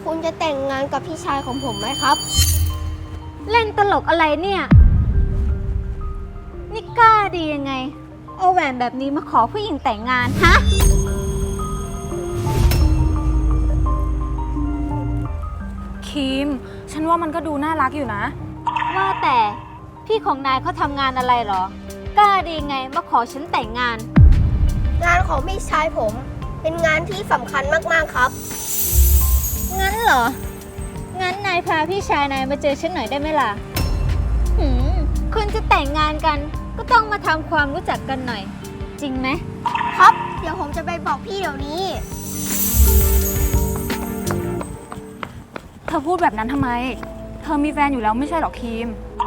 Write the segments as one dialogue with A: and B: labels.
A: คุณจะแต่งงานกับพี่ชายของผมไหมครับ
B: เล่นตลกอะไรเนี่ย นี่กล้าดียังไง เอาแหวนแบบนี้มาขอผู้หญิงแต่งงานฮะ
C: คิม ฉันว่ามันก็ดูน่ารักอยู่นะ
B: ว่าแต่พี่ของนายเขาทำงานอะไรเหรอ กล้าดียังไงมาขอฉันแต่งงาน
A: งานของพี่ชายผมเป็นงานที่สำคัญมากๆครับ
B: งั้นเหรอ งั้นนายพาพี่ชายนายมาเจอฉันหน่อยได้ไหมล่ะคุณจะแต่งงานกันก็ต้องมาทำความรู้จักกันหน่อย จริงไหม
A: ครับ เดี๋ยวผมจะไปบอกพี่เดี๋ยวนี้
C: เธอพูดแบบนั้นทำไม เธอมีแฟนอยู่แล้วไม่ใช่หรอคิม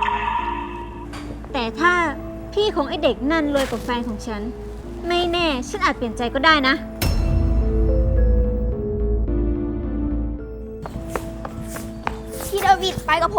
B: แต่ถ้าพี่ของไอเด็กนั่นรวยกว่าแฟนของฉัน ไม่แน่ฉันอาจเปลี่ยนใจก็ได้นะ
A: พี่เดวิดไปกับผม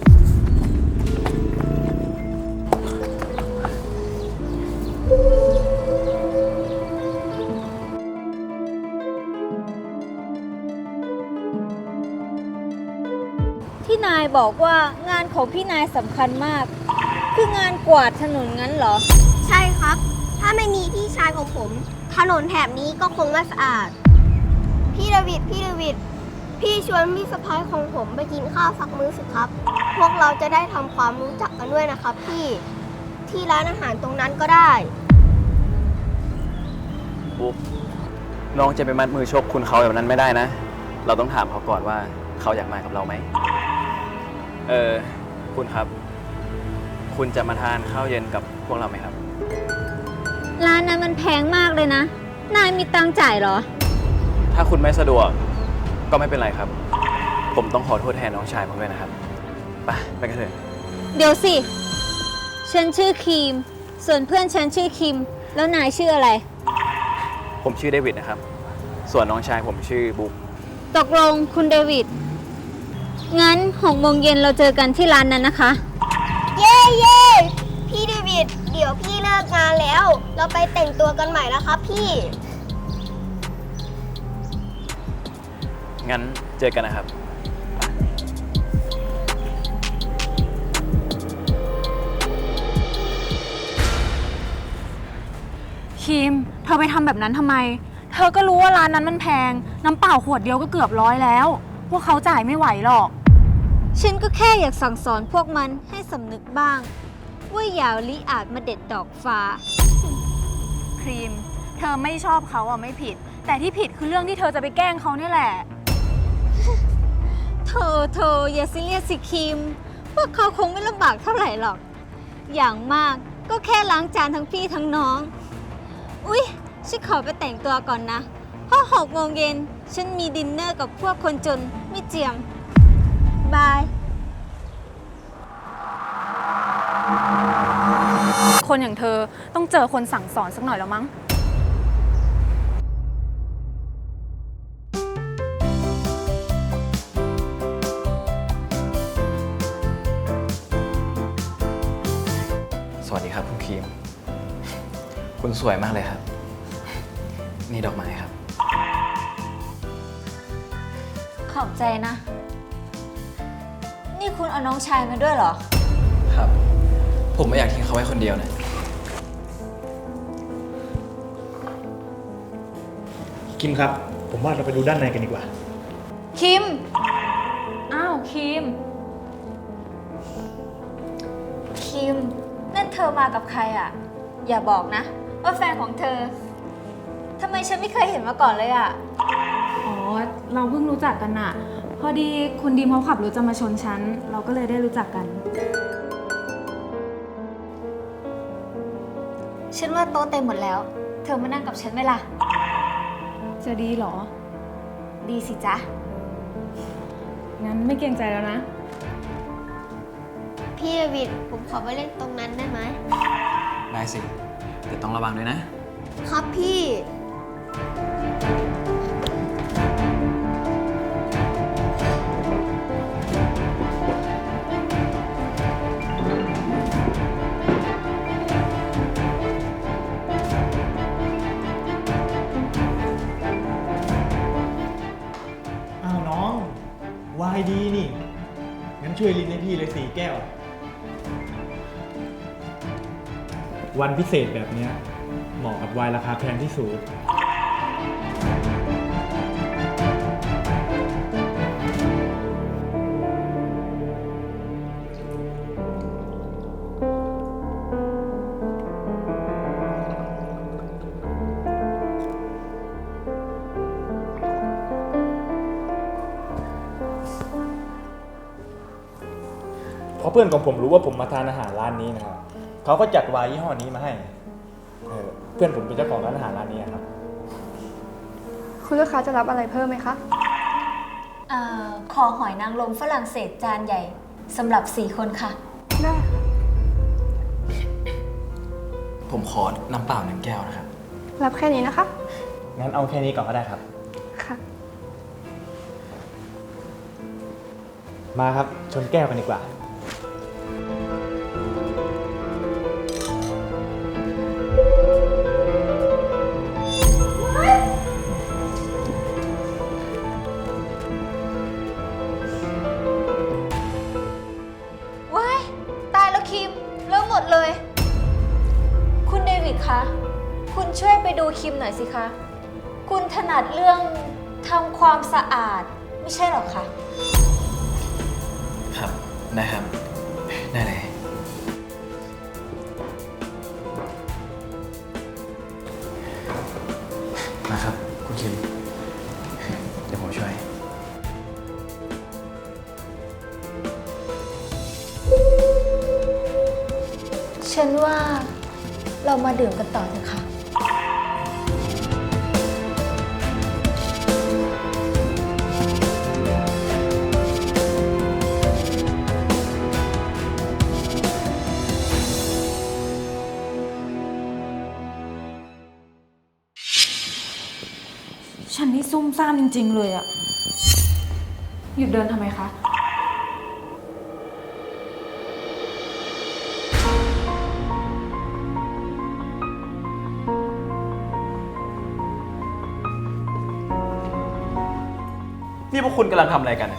B: ที่นายบอกว่างานของพี่นายสำคัญมาก คืองานกวาดถนนงั้นเหรอ
A: ใช่ครับ ถ้าไม่มีพี่ชายของผม ถนนแถบนี้ก็คงไม่สะอาด พี่เดวิด พี่ชวนพี่สะพ้ายของผมไปกินข้าวสักมื้อสิครับ พวกเราจะได้ทำความรู้จักกันด้วยนะครับพี่ ที่ร้านอาหารตรงนั้นก็ได้
D: บุ๊กน้องจะไปมัดมือชกคุณเขาแบบนั้นไม่ได้นะ เราต้องถามเขาก่อนว่าเขาอยากมากับเราไหม คุณครับ คุณจะมาทานข้าวเย็นกับพวกเราไหมครับ
B: ร้านนั้นมันแพงมากเลยนะ นายมีตังค์จ่ายเหรอ
D: ถ้าคุณไม่สะดวกก็ไม่เป็นไรครับ ผมต้องขอโทษแทนน้องชายผมด้วยนะครับ ไปกันเถอะ
B: เดี๋ยวสิ ฉันชื่อครีม ส่วนเพื่อนฉันชื่อคิม แล้วนายชื่ออะไร
D: ผมชื่อเดวิดนะครับ ส่วนน้องชายผมชื่อบุ๊ก
B: ตกลงคุณเดวิด งั้น6 โมงเย็นเราเจอกันที่ร้านนั้นนะคะ
A: เย้ พี่เดวิด เดี๋ยวพี่เลิกงานแล้ว เราไปแต่งตัวกันใหม่แล้วครับพี่
D: งั้นเจอกันนะครับ
C: คิม เธอไปทำแบบนั้นทำไม เธอก็รู้ว่าร้านนั้นมันแพง น้ำเปล่าขวดเดียวก็เกือบ100แล้ว พวกเขาจ่ายไม่ไหวหรอก
B: ฉันก็แค่อยากสั่งสอนพวกมันให้สำนึกบ้าง ว่าอย่าลิอาจมาเด็ดดอกฟ้า
C: ครีม เธอไม่ชอบเขาอ่ะไม่ผิด แต่ที่ผิดคือเรื่องที่เธอจะไปแกล้งเขาเนี่ยแหละ
B: โธ่อย่าซีเรียสสิคิม พวกเขาคงไม่ลำบากเท่าไหร่หรอก อย่างมากก็แค่ล้างจานทั้งพี่ทั้งน้อง อุ๊ย ฉันขอไปแต่งตัวก่อนนะ เพราะ6 โมงเย็นฉันมีดินเนอร์กับพวกคนจนไม่เจียม บาย
C: คนอย่างเธอต้องเจอคนสั่งสอนสักหน่อยแล้วมั้ง
D: สวัสดีครับคุณครีม คุณสวยมากเลยครับ นี่ดอกไม้ครับ
B: ขอบใจนะ นี่คุณเอาน้องชายมาด้วยเหรอ
D: ครับ ผมไม่อยากทิ้งเขาไว้คนเดียวนะ
E: คิมครับ ผมว่าเราไปดูด้านในกันดีกว่า
C: คิม อ้าว คิม
B: คิม นั่นเธอมากับใครอ่ะ อย่าบอกนะ ว่าแฟนของเธอ ทำไมฉันไม่เคยเห็นมาก่อนเลยอ่ะ
C: อ๋อ เราเพิ่งรู้จักกันน่ะ พอดีคุณดีมเขาขับรถจะมาชนฉัน เราก็เลยได้รู้จักกัน
B: ฉันว่าโต๊ะเต็มหมดแล้ว เธอมานั่งกับฉันไหมล่ะ
C: จะดีเหรอ
B: ดีสิจ๊ะ
C: งั้นไม่เกรงใจแล้วนะ
A: พี่เดวิด ผมขอไปเล่นตรงนั้นได้ไหม
D: ได้สิ แต่ต้องระวังด้วยนะ
A: ครับพี่
E: อ้าวน้องวายดีนี่ งั้นช่วยลินให้พี่เลย4 แก้ว วันพิเศษแบบเนี้ยเหมาะกับไวน์ราคาแพงที่สุด เพราะเพื่อนของผมรู้ว่าผมมาทานอาหารร้านนี้นะครับเขาก็จัดไวน์ยี่ห้อนี้มาให้เพื่อนผมเป็นเจ้าของร้านอาหารร้านนี้ครับ
F: คุณลูกค้าจะรับอะไรเพิ่มไหมคะ
B: ขอหอยนางรมฝรั่งเศสจานใหญ่สำหรับ 4 คนค่ะ
F: ได้
D: ผมขอน้ำเปล่า1 แก้วนะครับ
F: รับแค่นี้นะคะ
E: งั้นเอาแค่นี้ก่อนก็ได้ครับ
F: ค่ะ
E: มาครับชนแก้วกันดีกว่า
B: ว้าย ตายแล้วคิมเริ่มหมดเลย คุณเดวิดคะ คุณช่วยไปดูคิมหน่อยสิคะ คุณถนัดเรื่องทำความสะอาดไม่ใช่หรอคะ
D: ครับ ได้ครับ ได้เลย มาครับ คุณคิม เดี๋ยวผมช่วย
B: ฉันว่าเรามาดื่มกันต่อเถอะค่ะ
C: ฉันนี่ซุ่มซ่ามจริงๆเลยอะหยุดเดินทำไมคะ
D: นี่พวกคุณกำลังทำอะไรกันเนี่ย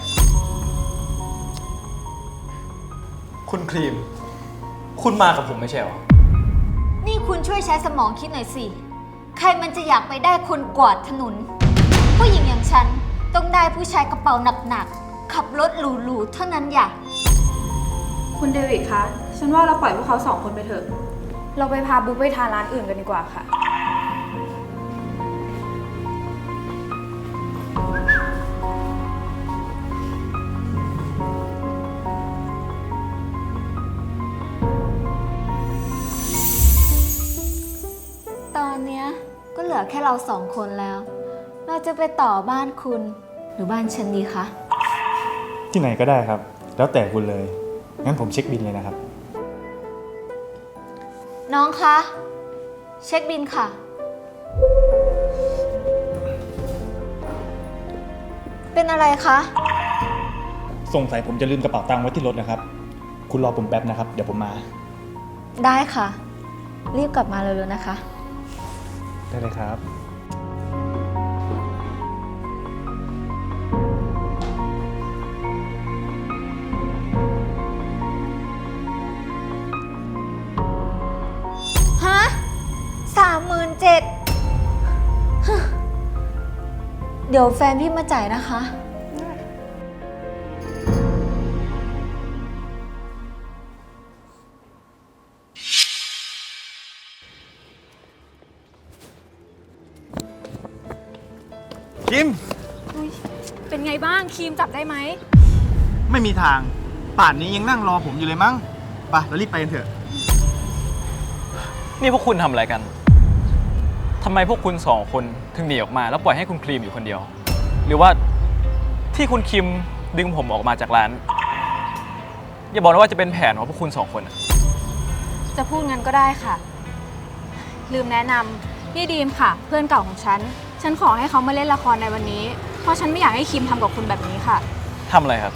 D: คุณครีม คุณมากับผมไม่ใช่เหรอ
B: นี่คุณช่วยใช้สมองคิดหน่อยสิ ใครมันจะอยากไปได้คนกวาดถนน ผู้หญิงอย่างฉันต้องได้ผู้ชายกระเป๋าหนักๆ ขับรถหรูๆ เท่านั้นอย่า
C: คุณเดวิดคะ ฉันว่าเราปล่อยพวกเขา2 คนไปเถอะ เราไปพาบุ๊กไปทานร้านอื่นกันดีกว่าค่ะ
B: ตอนเนี้ยก็เหลือแค่เรา2 คนแล้ว เราจะไปต่อบ้านคุณหรือบ้านฉันดีคะ
E: ที่ไหนก็ได้ครับ แล้วแต่คุณเลย งั้นผมเช็คบิลเลยนะครับ
B: น้องคะ เช็คบินค่ะ เป็นอะไรคะ
E: สงสัยผมจะลืมกระเป๋าตังค์ไว้ที่รถนะครับ คุณรอผมแป๊บนะครับ เดี๋ยวผมมา
B: ได้ค่ะ รีบกลับมาเร็วๆนะคะ
E: ได้เลยครับ
B: ฮะ37,000เดี๋ยวแฟนพี่มาจ่ายนะคะ
E: คิม
C: เป็นไงบ้างครีมจับได้ไหม
E: ไม่มีทาง ป่านนี้ยังนั่งรอผมอยู่เลยมั้ง ไปเรารีบไปกันเถอะ
D: นี่พวกคุณทำอะไรกัน ทำไมพวกคุณ2 คนถึงหนีออกมา แล้วปล่อยให้คุณครีมอยู่คนเดียว หรือว่าที่คุณคิมดึงผมออกมาจากร้าน อย่าบอกนะว่าจะเป็นแผนของพวกคุณ2 คนอะ
C: จะพูดงั้นก็ได้ค่ะ ลืมแนะนำนี่ดีมค่ะ เพื่อนเก่าของฉัน ฉันขอให้เขามาเล่นละครในวันนี้ เพราะฉันไม่อยากให้คิมทำกับคุณแบบนี้ค่ะ
D: ทำอะไรครับ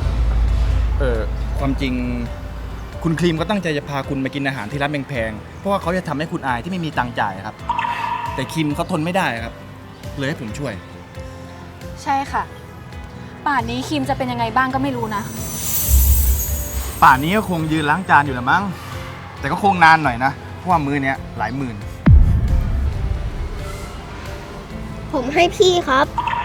E: ความจริงคุณครีมก็ตั้งใจจะพาคุณมากินอาหารที่ร้านแพงๆ เพราะว่าเขาจะทำให้คุณอายที่ไม่มีตังค์จ่ายครับ แต่คิมเขาทนไม่ได้ครับ เลยให้ผมช่วย
C: ใช่ค่ะป่านนี้คิมจะเป็นยังไงบ้างก็ไม่รู้นะ
G: ป่านนี้ก็คงยืนล้างจานอยู่แหละมั้ง แต่ก็คงนานหน่อยนะ เพราะว่ามื้อเนี้ยหลายหมื่น
A: ผมให้พี่ครับ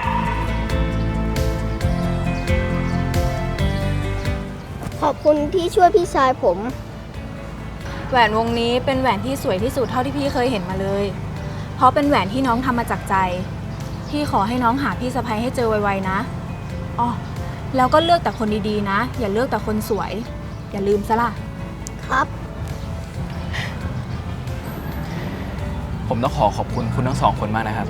A: ขอบคุณที่ช่วยพี่ชายผม
C: แหวนวงนี้เป็นแหวนที่สวยที่สุดเท่าที่พี่เคยเห็นมาเลย เพราะเป็นแหวนที่น้องทำมาจากใจ พี่ขอให้น้องหาพี่สะใภ้ให้เจอไวๆนะอ๋อแล้วก็เลือกแต่คนดีๆนะ อย่าเลือกแต่คนสวย อย่าลืมซะล่ะ
A: ครับ
D: ผมต้องขอบคุณคุณทั้งสองคนมากนะครับ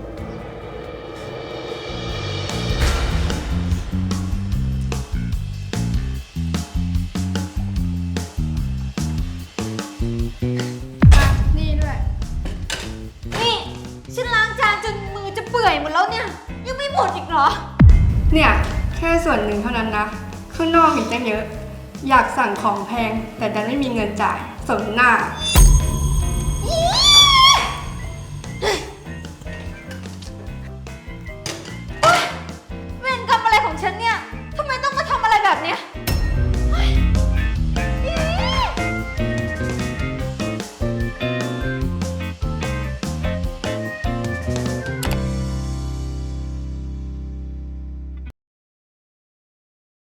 F: นี่ด้วย
B: นี่ ฉันล้างจานจนมือจะเปื่อยหมดแล้วเนี่ย ยังไม่หมดอีกเหรอ
F: เนี่ยแค่ส่วนหนึ่งเท่านั้นนะ ข้างนอกอีกตั้งเยอะ อยากสั่งของแพง แต่ดันไม่มีเงินจ่ายสมหน้า